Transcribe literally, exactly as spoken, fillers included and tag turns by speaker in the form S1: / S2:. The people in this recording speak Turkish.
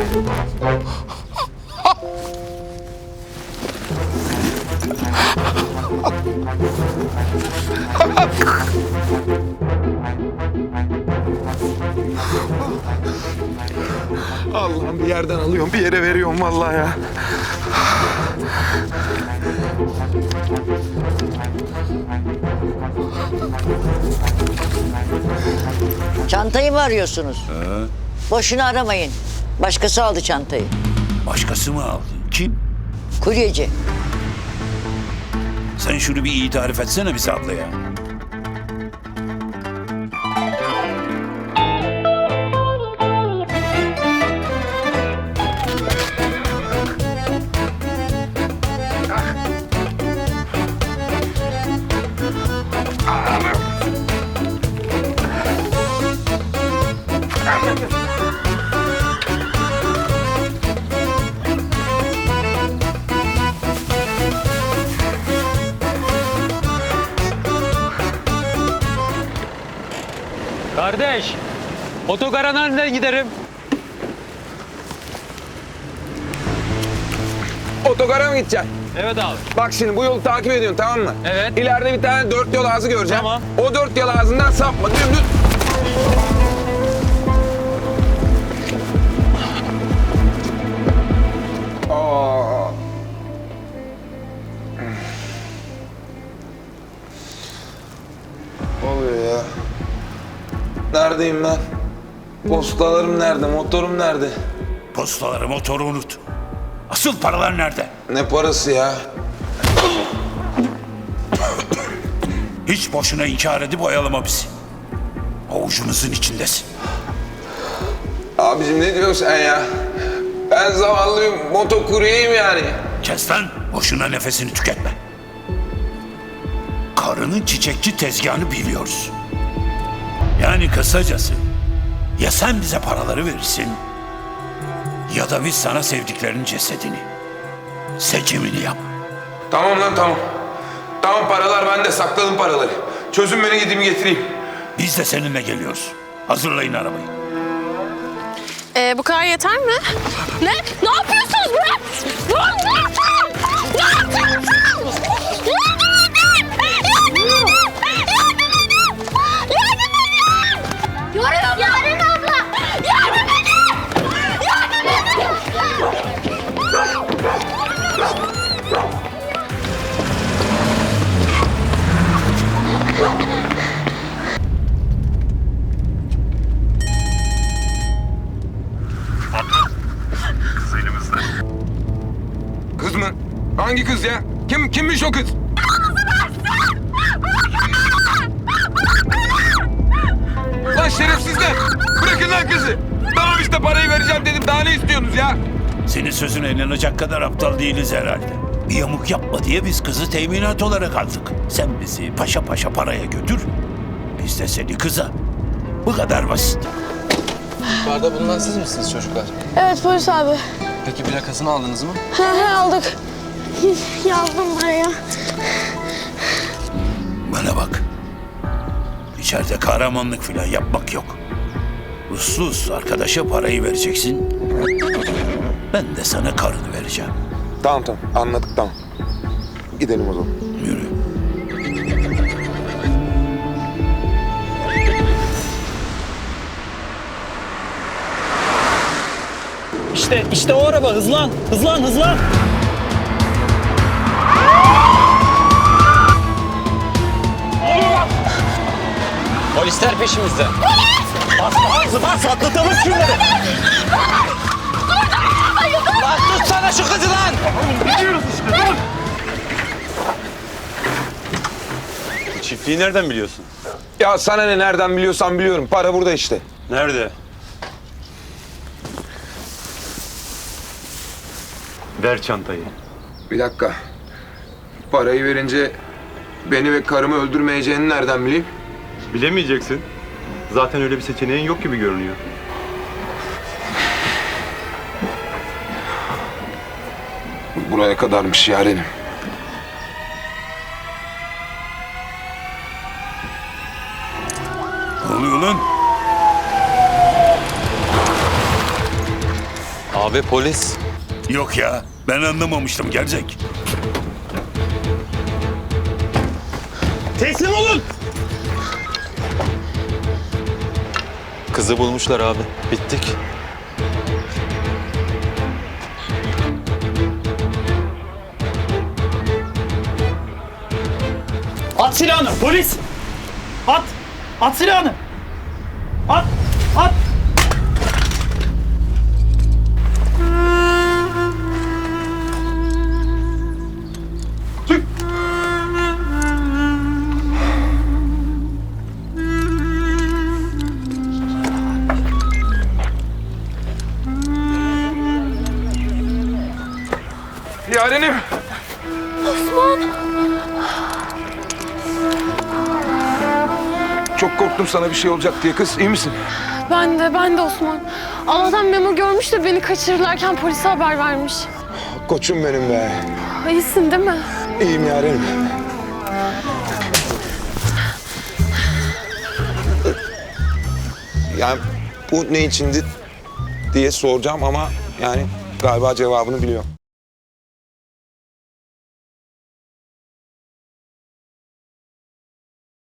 S1: Allah'ım bir yerden alıyorum, bir yere veriyorum vallahi ya.
S2: Çantayı mı arıyorsunuz?
S3: He.
S2: Boşuna aramayın. Başkası aldı çantayı.
S3: Başkası mı aldı? Kim?
S2: Kuryeci.
S3: Sen şunu bir iyi tarif etsene bize abla ya.
S4: Kardeş, otogara nereden giderim?
S1: Otogara mı gideceksin?
S4: Evet abi.
S1: Bak şimdi bu yolu takip ediyorsun, tamam mı?
S4: Evet.
S1: İleride bir tane dört yol ağzı göreceğim.
S4: Tamam.
S1: O dört yol ağzından sapma, dümdüz. Aa. Oluyor ya. Neredeyim ben? Postalarım nerede? Motorum nerede?
S3: Postaları, motoru unut. Asıl paralar nerede?
S1: Ne parası ya?
S3: Hiç boşuna inkar edip oyalama bizi. Avucumuzun içindesin.
S1: Abicim ne diyorsun sen ya? Ben zavallıyım, motokuryeyim yani.
S3: Kes lan, boşuna nefesini tüketme. Karının çiçekçi tezgahını biliyoruz. Yani kısacası, ya sen bize paraları verirsin, ya da biz sana sevdiklerinin cesedini. Seçimini yap.
S1: Tamam lan tamam. Tamam paralar bende, sakladım paraları. Çözün beni, gideyim getireyim.
S3: Biz de seninle geliyoruz. Hazırlayın arabayı.
S5: Ee, bu kadar yeter mi? Ne? Ne yapıyorsunuz be? Ne yapıyorsunuz? Ne yapıyorsunuz? Yardım edin! Yardım edin! Yardım edin! Yardım edin! Yaren abla! Yardım edin! Yardım
S1: Kız mı? Hangi kız ya? Kim kimmiş o kız? Lan şerefsizler! Bırakın lan kızı! Tamam işte parayı vereceğim dedim. Daha ne istiyorsunuz ya?
S3: Senin sözüne inanacak kadar aptal değiliz herhalde. Bir yamuk yapma diye biz kızı teminat olarak aldık. Sen bizi paşa paşa paraya götür, biz de seni kıza. Bu kadar basit.
S6: Barda bulunan siz misiniz çocuklar?
S7: Evet polis abi.
S6: Peki plakasını aldınız mı?
S7: He he aldık. Yazdım buraya.
S3: Bana bak. İçeride kahramanlık falan yapmak yok. Uslu uslu arkadaşa parayı vereceksin. Ben de sana karını vereceğim.
S1: Tamam tamam anladık tamam. Gidelim o zaman.
S3: Yürü.
S4: İşte, işte o araba. Hızlan, hızlan, hızlan. Polisler peşimizde. Bas, bas, bas, atlatalım şunları. Lan tutsana şu kızı lan. Gidiyoruz işte, dur.
S8: Bu çiftliği nereden biliyorsun?
S1: Ya sana ne, nereden biliyorsan biliyorum. Para burada işte.
S8: Nerede? Ver çantayı.
S1: Bir dakika. Parayı verince beni ve karımı öldürmeyeceğini nereden bileyim?
S8: Bilemeyeceksin. Zaten öyle bir seçeneğin yok gibi görünüyor.
S1: Buraya kadarmış yarenim.
S3: Ne oluyor lan?
S6: Abi polis.
S3: Yok ya, ben anlamamıştım gerzek.
S4: Teslim olun.
S6: Kızı bulmuşlar abi. Bittik.
S4: At silahını polis. At. At silahını. At. At.
S1: Yarenim. Çok korktum sana bir şey olacak diye kız. İyi misin?
S5: Ben de, ben de Osman. Allah'tan Memo görmüş de beni kaçırırlarken polise haber vermiş.
S9: Koçum benim be.
S5: İyisin değil mi?
S9: İyiyim yarenim. Yani bu ne içindi diye soracağım ama yani galiba cevabını biliyorum.